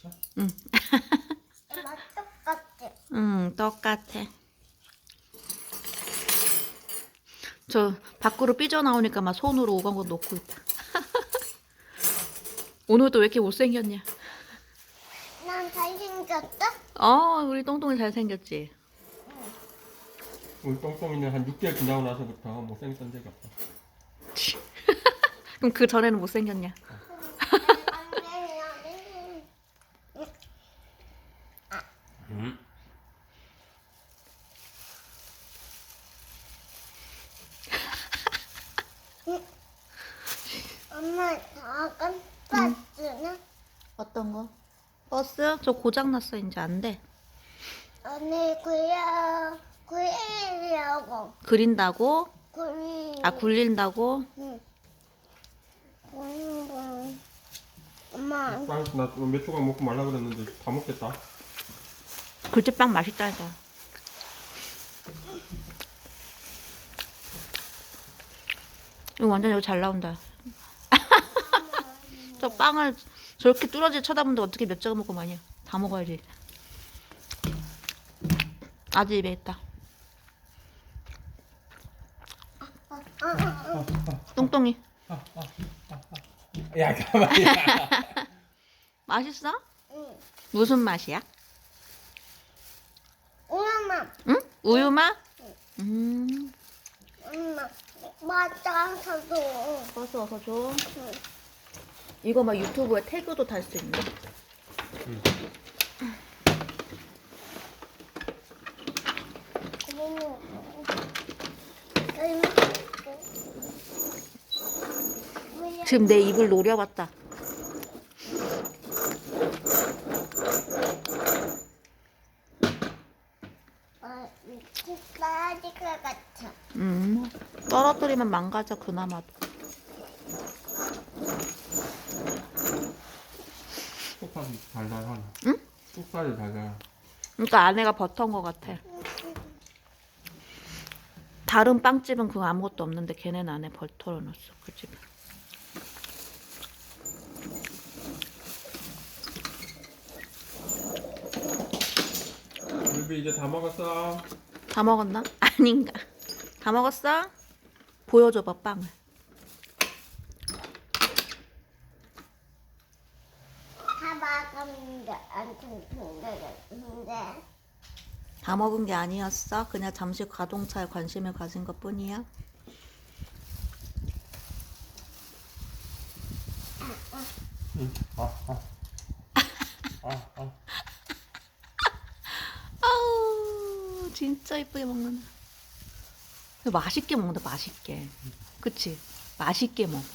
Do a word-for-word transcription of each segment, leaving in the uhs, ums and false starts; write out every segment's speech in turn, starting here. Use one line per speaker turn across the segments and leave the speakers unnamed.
맛있어?
응.
맛 똑같아.
응, 똑같아. 저 밖으로 삐져나오니까 막 손으로 오간 거 놓고 있다. 오늘도 왜 이렇게 못생겼냐?
난 잘생겼어?
어, 우리 똥똥이 잘생겼지?
우리 똥똥이는 한 육 개월 지나고 나서부터 못생겼던 적이 없어.
그럼 그 전에는 못생겼냐?
응?
엄마, 작은 버스는?
어떤 거? 버스? 저 고장났어. 이제 안 돼.
언니, 그려, 그리려고.
그린다고?
그리.
아, 굴린다고?
응. 그리는 거. 엄마,
빵, 나몇 조각 먹고 말라 그랬는데 다 먹겠다.
굴제빵 맛있다니까. 이거 완전 여기 잘 나온다. 저 빵을 저렇게 뚫어지 쳐다보는데 어떻게 몇 조각 먹고 마냐. 다 먹어야지. 아직 입에 있다. 똥똥이.
야, 가만히.
맛있어?
응.
무슨 맛이야?
엄마,
응? 우유 맛? 음.
엄마, 맞아서도.
버스 어서 줘.
응.
이거 막 유튜브에 태그도 달 수 있네.
응.
지금 내 입을 노려봤다.
어, 미친 빠질 것 같아.
음. 떨어뜨리면 망가져 그나마도.
속살이 달달하네.
응?
속살이 달달.
그러니까 안에가 버터인 것 같아. 다른 빵집은 그거 아무것도 없는데 걔네는 안에 버터를 넣었어. 그 집은.
루비 이제 다 먹었어.
다 먹었나? 아닌가? 다 먹었어? 보여줘봐 빵을.
다 먹었는데 안 퉁퉁거렸는데.
다 먹은 게 아니었어. 그냥 잠시 가동차에 관심을 가진 것 뿐이야.
응. 아, 아. 아, 아.
아우 진짜 이쁘게 먹는다. 맛있게 먹는다. 맛있게. 그치? 맛있게 먹어.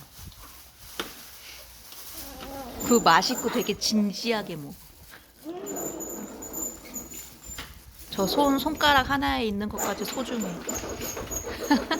그 맛있고 되게 진지하게 먹어. 저 손 손가락 하나에 있는 것까지 소중해.